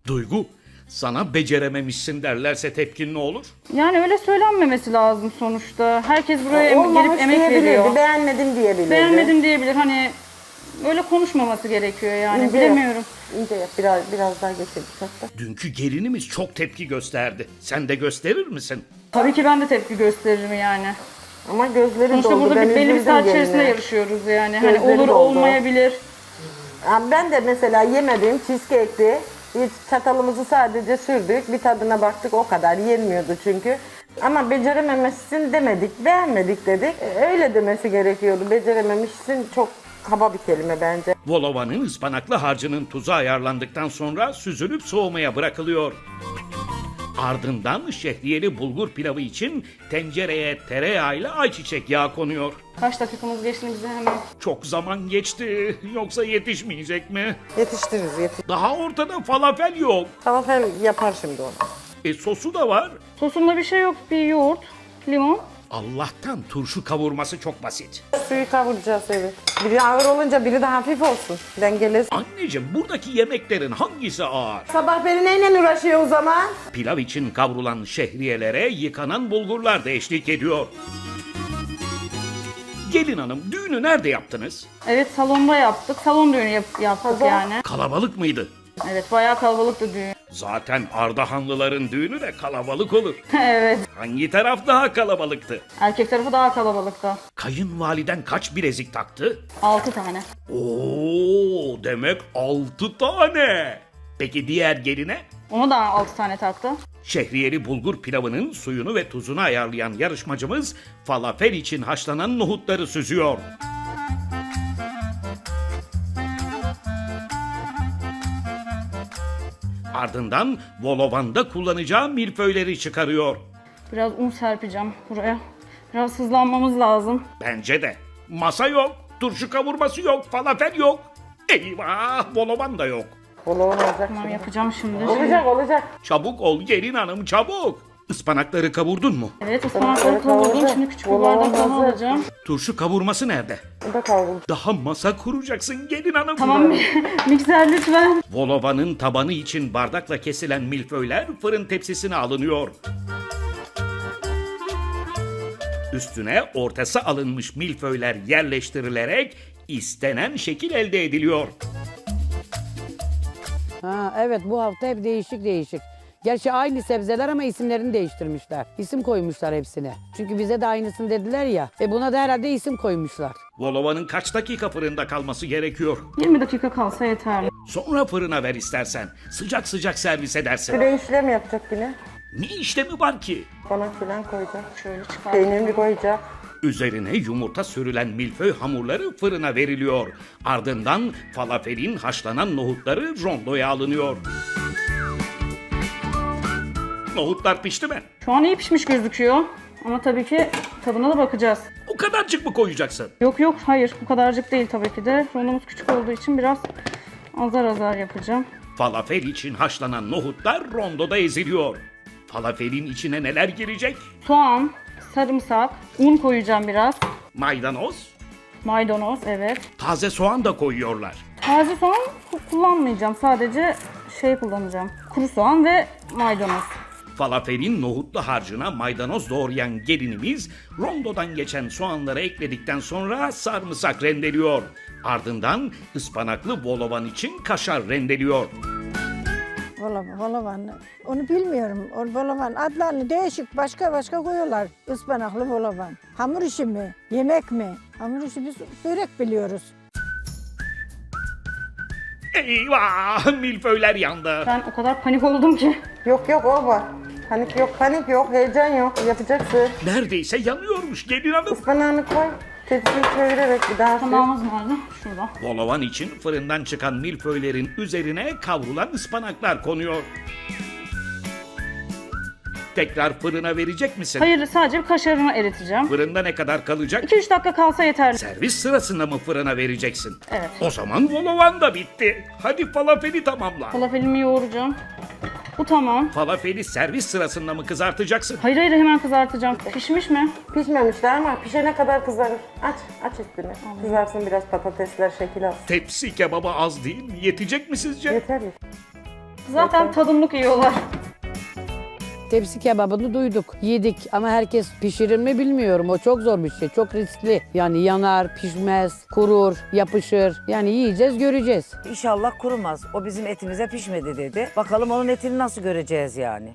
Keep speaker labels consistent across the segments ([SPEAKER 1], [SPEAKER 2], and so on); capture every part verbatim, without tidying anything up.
[SPEAKER 1] Duygu, sana becerememişsin derlerse tepkin ne olur?
[SPEAKER 2] Yani öyle söylenmemesi lazım sonuçta. Herkes buraya em-
[SPEAKER 3] Olmamış
[SPEAKER 2] gelip emek
[SPEAKER 3] diyebilirdi,
[SPEAKER 2] veriyor.
[SPEAKER 3] beğenmedim diyebilirdi.
[SPEAKER 2] Beğenmedim diyebilir. Hani öyle konuşmaması gerekiyor yani.
[SPEAKER 3] İnce
[SPEAKER 2] Bilemiyorum.
[SPEAKER 3] Yap, ince yap, biraz, biraz daha geçelim hatta.
[SPEAKER 1] Dünkü gelinimiz çok tepki gösterdi. Sen de gösterir misin?
[SPEAKER 2] Tabii ki ben de tepki gösteririm yani.
[SPEAKER 3] Ama gözleri
[SPEAKER 2] Sonuçta
[SPEAKER 3] doldu.
[SPEAKER 2] burada
[SPEAKER 3] Ben
[SPEAKER 2] bir belli bir
[SPEAKER 3] üzüldüm
[SPEAKER 2] saat
[SPEAKER 3] geline.
[SPEAKER 2] içerisinde yarışıyoruz yani. Hani
[SPEAKER 3] Gözleri
[SPEAKER 2] olur
[SPEAKER 3] doldu.
[SPEAKER 2] olmayabilir.
[SPEAKER 3] Ha, ben de mesela yemedim cheesecake'ti. Hiç çatalımızı sadece sürdük. Bir tadına baktık, o kadar yenmiyordu çünkü. Ama becerememişsin demedik, beğenmedik dedik. E, Öyle demesi gerekiyordu. Becerememişsin çok kaba bir kelime bence.
[SPEAKER 1] Volova'nın ıspanaklı harcının tuzu ayarlandıktan sonra süzülüp soğumaya bırakılıyor. Ardından şehriyeli bulgur pilavı için tencereye tereyağıyla ayçiçek yağı konuyor.
[SPEAKER 2] Kaç dakikamız geçti bize hemen.
[SPEAKER 1] Çok zaman geçti. Yoksa yetişmeyecek mi?
[SPEAKER 3] Yetiştiririz, yetiş.
[SPEAKER 1] Daha ortada falafel yok.
[SPEAKER 3] Falafel yapar şimdi onu.
[SPEAKER 1] E sosu da var.
[SPEAKER 2] Sosunda bir şey yok. Bir yoğurt, limon.
[SPEAKER 1] Allah'tan turşu kavurması çok basit.
[SPEAKER 3] Suyu kavuracağız, evet. Biri ağır olunca biri de hafif olsun. Dengelesin.
[SPEAKER 1] Anneciğim, buradaki yemeklerin hangisi ağır?
[SPEAKER 3] Sabah beri neyle uğraşıyor o zaman?
[SPEAKER 1] Pilav için kavrulan şehriyelere yıkanan bulgurlar da eşlik ediyor. Gelin hanım, düğünü nerede yaptınız?
[SPEAKER 2] Evet, salonda yaptık. Salon düğünü yap- yaptık
[SPEAKER 3] Pazar.
[SPEAKER 2] yani.
[SPEAKER 1] Kalabalık mıydı?
[SPEAKER 2] Evet, bayağı kalabalıktı düğün.
[SPEAKER 1] Zaten Ardahanlıların düğünü de kalabalık olur.
[SPEAKER 2] Evet.
[SPEAKER 1] Hangi taraf daha kalabalıktı?
[SPEAKER 2] Erkek tarafı daha kalabalıktı.
[SPEAKER 1] Kayınvaliden kaç bilezik taktı?
[SPEAKER 2] Altı tane.
[SPEAKER 1] Oo, demek altı tane. Peki diğer geline?
[SPEAKER 2] Ona da altı tane taktı.
[SPEAKER 1] Şehriyeli bulgur pilavının suyunu ve tuzunu ayarlayan yarışmacımız falafel için haşlanan nohutları süzüyor. Ardından volovanda kullanacağı milföyleri çıkarıyor.
[SPEAKER 2] Biraz un serpeceğim buraya. Biraz hızlanmamız lazım.
[SPEAKER 1] Bence de. Masa yok, turşu kavurması yok, falafel yok. Eyvah, volovan da yok.
[SPEAKER 3] Bol olacak.
[SPEAKER 2] Tamam,
[SPEAKER 3] şimdi.
[SPEAKER 2] yapacağım şimdi.
[SPEAKER 3] Olacak, olacak.
[SPEAKER 1] Çabuk ol gelin hanım, çabuk. Ispanakları kavurdun mu?
[SPEAKER 2] Evet, ıspanakları kavurdum. Şimdi küçük bir bardak daha alacağım.
[SPEAKER 1] Turşu kavurması nerede?
[SPEAKER 3] Bu da kavruldu.
[SPEAKER 1] Daha masa kuracaksın gelin hanım.
[SPEAKER 2] Tamam, mikser lütfen.
[SPEAKER 1] Volovanın tabanı için bardakla kesilen milföyler fırın tepsisine alınıyor. Üstüne ortası alınmış milföyler yerleştirilerek istenen şekil elde ediliyor.
[SPEAKER 4] Ha, evet, bu hafta hep değişik değişik. Gerçi aynı sebzeler ama isimlerini değiştirmişler. İsim koymuşlar hepsine. Çünkü bize de aynısını dediler ya. E buna da herhalde isim koymuşlar.
[SPEAKER 1] Volovanın kaç dakika fırında kalması gerekiyor?
[SPEAKER 2] yirmi dakika kalsa yeterli.
[SPEAKER 1] Sonra fırına ver istersen. Sıcak sıcak servis edersin.
[SPEAKER 3] Püre işlem yapacak yine.
[SPEAKER 1] Ne işlemi var ki?
[SPEAKER 3] Bana filan koyacak.
[SPEAKER 2] Şöyle çıkar.
[SPEAKER 3] Peynirini koyacak.
[SPEAKER 1] Üzerine yumurta sürülen milföy hamurları fırına veriliyor. Ardından falafelin haşlanan nohutları rondoya alınıyor. Nohutlar pişti mi?
[SPEAKER 2] Şu an iyi pişmiş gözüküyor. Ama tabii ki tadına da bakacağız.
[SPEAKER 1] O kadarcık mı koyacaksın?
[SPEAKER 2] Yok yok, hayır, bu kadarcık değil tabii ki de. Rondomuz küçük olduğu için biraz azar azar yapacağım.
[SPEAKER 1] Falafel için haşlanan nohutlar rondoda eziliyor. Falafelin içine neler girecek?
[SPEAKER 2] Soğan, sarımsak, un koyacağım biraz.
[SPEAKER 1] Maydanoz,
[SPEAKER 2] Maydanoz, evet.
[SPEAKER 1] taze soğan da koyuyorlar.
[SPEAKER 2] Taze soğan ku- kullanmayacağım. Sadece şey kullanacağım. Kuru soğan ve maydanoz.
[SPEAKER 1] Falafelin nohutlu harcına maydanoz doğrayan gelinimiz rondodan geçen soğanları ekledikten sonra sarımsak rendeliyor. Ardından ıspanaklı volovan için kaşar rendeliyor.
[SPEAKER 5] Volavan, volavan. Onu bilmiyorum. O volavan adlarını değişik başka başka koyuyorlar. Ispanaklı volavan. Hamur işi mi? Yemek mi? Hamur işi biz börek biliyoruz.
[SPEAKER 1] Eyvah! Milföyler yandı.
[SPEAKER 2] Ben o kadar panik oldum ki.
[SPEAKER 3] Yok yok o var. Panik yok, panik yok, heyecan yok. Yapacaksın.
[SPEAKER 1] Neredeyse yanıyormuş gelin hanım.
[SPEAKER 3] Ispanağını koy. Tepsiyi çevirerek bir daha sür.
[SPEAKER 2] Tamamımız nerede? Şurada.
[SPEAKER 1] Volovan için fırından çıkan milföylerin üzerine kavrulan ıspanaklar konuyor. Tekrar fırına verecek misin?
[SPEAKER 2] Hayır, sadece bir kaşarını eriteceğim.
[SPEAKER 1] Fırında ne kadar kalacak?
[SPEAKER 2] iki üç dakika kalsa yeterli.
[SPEAKER 1] Servis sırasında mı fırına vereceksin?
[SPEAKER 2] Evet.
[SPEAKER 1] O zaman volovan da bitti. Hadi falafeli tamamla.
[SPEAKER 2] Falafelimi yoğuracağım. Bu tamam.
[SPEAKER 1] Falafeli servis sırasında mı kızartacaksın?
[SPEAKER 2] Hayır hayır, hemen kızartacağım. Pişmiş mi?
[SPEAKER 3] Pişmemişler ama pişene kadar kızarır. Aç, aç üstünü. Kızarsın biraz patatesler şekil alsın.
[SPEAKER 1] Tepsi kebabı az değil mi? Yetecek mi sizce?
[SPEAKER 3] Yeter.
[SPEAKER 2] Zaten tadımlık yiyorlar.
[SPEAKER 4] Tepsi kebabını duyduk, yedik ama herkes pişirir mi bilmiyorum. O çok zor bir şey, çok riskli. Yani yanar, pişmez, kurur, yapışır. Yani yiyeceğiz, göreceğiz.
[SPEAKER 6] İnşallah kurumaz. O bizim etimize pişmedi dedi. Bakalım onun etini nasıl göreceğiz yani.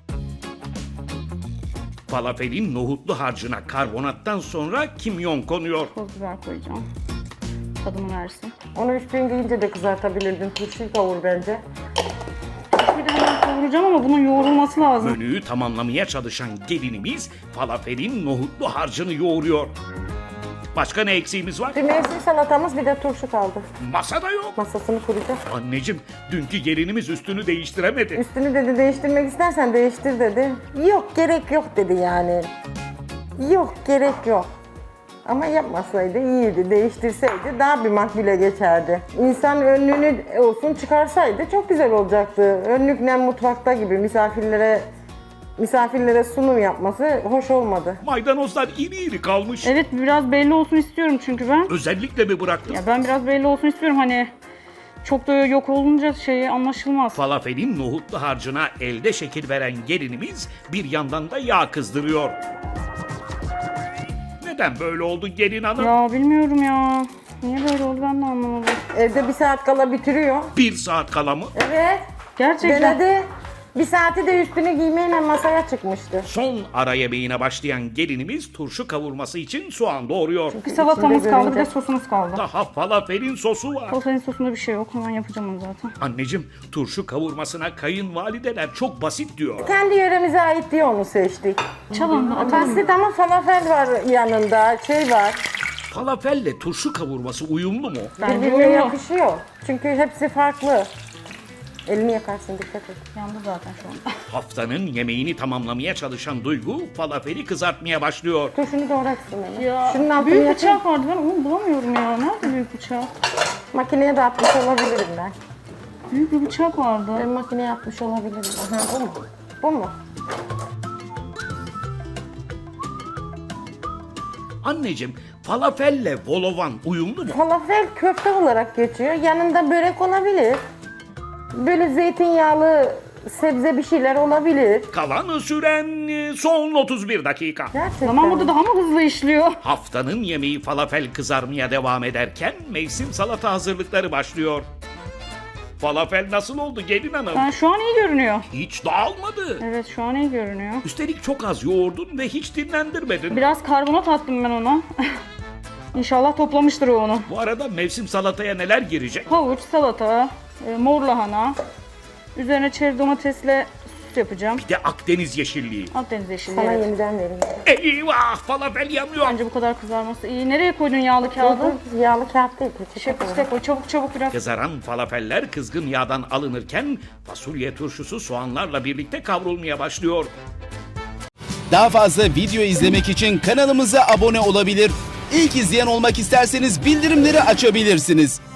[SPEAKER 1] Falafelin nohutlu harcına karbonattan sonra kimyon konuyor.
[SPEAKER 2] Toz biber koyacağım. Tadımı versin.
[SPEAKER 3] Onu üç gün giyince de kızartabilirdin. Turşuyu kavur bence.
[SPEAKER 2] Bir de hemen kavuracağım ama bunun yoğrulması lazım.
[SPEAKER 1] Menüyü tamamlamaya çalışan gelinimiz falafelin nohutlu harcını yoğuruyor. Başka ne eksiğimiz var?
[SPEAKER 3] Bir mevsim salatamız, bir de turşu kaldı.
[SPEAKER 1] Masada yok.
[SPEAKER 3] Masasını kuracağız.
[SPEAKER 1] Anneciğim, dünkü gelinimiz üstünü değiştiremedi.
[SPEAKER 3] Üstünü dedi değiştirmek istersen değiştir dedi. Yok gerek yok dedi yani. Yok gerek yok. Ama yapmasaydı iyiydi, değiştirseydi daha bir makbule geçerdi. İnsan önlüğünü olsun çıkarsaydı çok güzel olacaktı. Önlükle mutfakta gibi misafirlere misafirlere sunum yapması hoş olmadı.
[SPEAKER 1] Maydanozlar iri iri kalmış.
[SPEAKER 2] Evet, biraz belli olsun istiyorum çünkü ben.
[SPEAKER 1] Özellikle mi bıraktın?
[SPEAKER 2] Ya ben biraz belli olsun istiyorum, hani çok da yok olunca şeyi anlaşılmaz.
[SPEAKER 1] Falafelin nohutlu harcına elde şekil veren gelinimiz bir yandan da yağ kızdırıyor. Neden böyle oldu gelin hanım?
[SPEAKER 2] Ya bilmiyorum ya. Niye böyle oldu ben de anlamadım.
[SPEAKER 3] Evde bir saat kala bitiriyor.
[SPEAKER 1] Bir saat kala mı?
[SPEAKER 3] Evet.
[SPEAKER 2] Gerçekten.
[SPEAKER 3] Denedi. Bir saati de üstünü giymeyle masaya çıkmıştı.
[SPEAKER 1] Son ara yemeğine başlayan gelinimiz turşu kavurması için soğan doğuruyor.
[SPEAKER 2] Bir salatamız
[SPEAKER 3] İçinde
[SPEAKER 2] kaldı, bir de
[SPEAKER 3] görünce.
[SPEAKER 2] sosumuz kaldı.
[SPEAKER 1] Daha falafelin sosu var.
[SPEAKER 2] Salatanın sosunda bir şey yok. Hemen yapacağım onu zaten.
[SPEAKER 1] Anneciğim, turşu kavurmasına kayınvalideler çok basit diyor.
[SPEAKER 3] Kendi yöremize ait diye onu seçtik.
[SPEAKER 2] Çalın da atalım.
[SPEAKER 3] Basit ama falafel var yanında, şey var.
[SPEAKER 1] Falafelle turşu kavurması uyumlu mu?
[SPEAKER 2] Bence
[SPEAKER 3] Birbirine
[SPEAKER 2] uyumlu.
[SPEAKER 3] yakışıyor. Çünkü hepsi farklı. Elini yakarsın, dikkat et.
[SPEAKER 2] Yandı zaten şu anda.
[SPEAKER 1] Haftanın yemeğini tamamlamaya çalışan Duygu falafeli kızartmaya başlıyor.
[SPEAKER 3] Turşunu doğraksın hemen.
[SPEAKER 2] Ya
[SPEAKER 3] Şunun altını
[SPEAKER 2] büyük
[SPEAKER 3] yakın.
[SPEAKER 2] bıçak vardı, ben onu bulamıyorum ya. Nerede büyük bıçak?
[SPEAKER 3] Makineye de atmış olabilirim ben.
[SPEAKER 2] Büyük bir bıçak vardı.
[SPEAKER 3] Ben makineye atmış olabilirim. Aha, bu mu? Bu mu?
[SPEAKER 1] Anneciğim, falafelle volovan uyumlu mu?
[SPEAKER 3] Falafel köfte olarak geçiyor. Yanında börek olabilir. Böyle zeytinyağlı sebze bir şeyler olabilir.
[SPEAKER 1] Kalan süren e, son otuz bir dakika.
[SPEAKER 3] Gerçekten.
[SPEAKER 2] Zaman burada daha mı hızlı işliyor?
[SPEAKER 1] Haftanın yemeği falafel kızarmaya devam ederken mevsim salata hazırlıkları başlıyor. Falafel nasıl oldu gelin hanım?
[SPEAKER 2] Ben şu an iyi görünüyor.
[SPEAKER 1] Hiç dağılmadı.
[SPEAKER 2] Evet, şu an iyi görünüyor.
[SPEAKER 1] Üstelik çok az yoğurdun ve hiç dinlendirmedin.
[SPEAKER 2] Biraz karbonat attım ben ona. İnşallah toplamıştır o onu.
[SPEAKER 1] Bu arada mevsim salataya neler girecek?
[SPEAKER 2] Havuç, salata, e, mor lahana. Üzerine çeri domatesle sos yapacağım.
[SPEAKER 1] Bir de Akdeniz yeşilliği.
[SPEAKER 2] Akdeniz yeşilliği.
[SPEAKER 3] Sana
[SPEAKER 2] Evet.
[SPEAKER 3] yeniden vereyim.
[SPEAKER 1] Eyvah, falafel yanıyor.
[SPEAKER 2] Bence bu kadar kızarması iyi. Nereye koydun yağlı kağıdı?
[SPEAKER 3] Yağlı kağıt değil. peçete
[SPEAKER 2] Şey,
[SPEAKER 3] koy.
[SPEAKER 2] işte koy, çabuk çabuk biraz.
[SPEAKER 1] Kızaran falafeller kızgın yağdan alınırken fasulye turşusu soğanlarla birlikte kavrulmaya başlıyor.
[SPEAKER 7] Daha fazla video izlemek için kanalımıza abone olabilir. İlk izleyen olmak isterseniz bildirimleri açabilirsiniz.